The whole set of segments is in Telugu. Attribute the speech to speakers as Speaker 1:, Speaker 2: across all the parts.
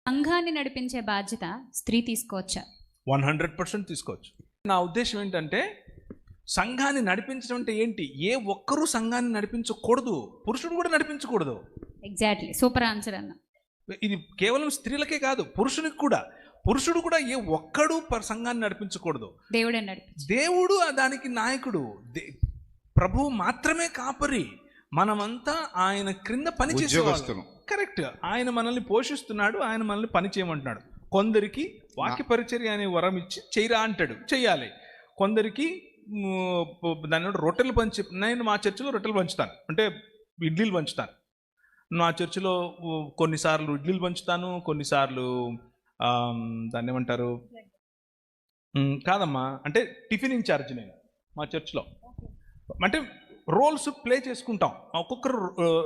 Speaker 1: సంఘాన్ని నడిపించే బాధ్యత స్త్రీ తీసుకోవచ్చా?
Speaker 2: 100% తీసుకోవచ్చు. నా ఉద్దేశం ఏంటంటే, సంఘాన్ని నడిపించడం అంటే ఏంటి? ఏ ఒక్కరూ సంఘాన్ని నడిపించకూడదు, పురుషుడు కూడా నడిపించకూడదు.
Speaker 1: ఎగ్జాక్ట్లీ, సూపర్ ఆన్సర్ అన్న.
Speaker 2: ఇది కేవలం స్త్రీలకే కాదు, పురుషునికి కూడా. పురుషుడు కూడా ఏ ఒక్కడు సంఘాన్ని నడిపించకూడదు.
Speaker 1: దేవుడే నడిపించు.
Speaker 2: దేవుడు దానికి నాయకుడు, ప్రభువు మాత్రమే కాపరి. మనమంతా ఆయన క్రింద పని చేసేవాళ్ళం. కరెక్ట్. ఆయన మనల్ని పోషిస్తున్నాడు, ఆయన మనల్ని పని చేయమంటున్నాడు. కొందరికి వాక్య పరిచర్య అనే వరం ఇచ్చి చేయరా అంటాడు, చెయ్యాలి. కొందరికి దాని రొట్టెలు నేను మా చర్చిలో రొట్టెలు పంచుతాను, అంటే ఇడ్లీలు పంచుతాను. నా చర్చిలో కొన్నిసార్లు ఇడ్లీలు పంచుతాను, కొన్నిసార్లు దాన్ని ఏమంటారు, కాదమ్మా, అంటే టిఫిన్ ఇన్ఛార్జ్ నేను మా చర్చ్లో. అంటే రోల్స్ ప్లే చేసుకుంటాం. ఒక్కొక్కరు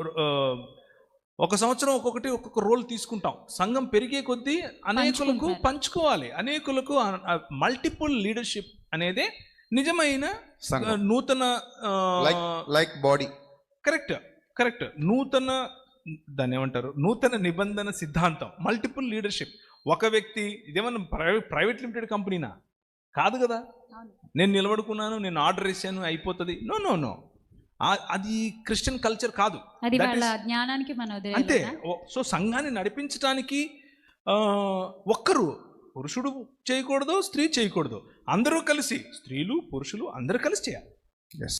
Speaker 2: ఒక సంవత్సరం ఒక్కొక్క రోల్ తీసుకుంటాం. సంఘం పెరిగే కొద్దీ అనేకులకు పంచుకోవాలి. అనేకులకు మల్టిపుల్ లీడర్షిప్ అనేదే నిజమైన నూతన
Speaker 3: లైక్ బాడీ.
Speaker 2: కరెక్ట్. నూతన దాన్ని ఏమంటారు, నూతన నిబంధన సిద్ధాంతం, మల్టిపుల్ లీడర్షిప్. ఒక వ్యక్తి, ఇదేమన్నా ప్రైవేట్ లిమిటెడ్ కంపెనీనా? కాదు కదా. నేను నిలబడుకున్నాను, నేను ఆర్డర్ ఇచ్చాను, అయిపోతుంది. నో, అది క్రిస్టియన్ కల్చర్ కాదు.
Speaker 1: అది వాళ్ళ జ్ఞానానికి మనం
Speaker 2: అంతే. సో సంఘాన్ని నడిపించడానికి ఒక్కరు, పురుషుడు చేయకూడదు, స్త్రీ చేయకూడదు. అందరూ కలిసి, స్త్రీలు పురుషులు అందరూ కలిసి చేయాలి.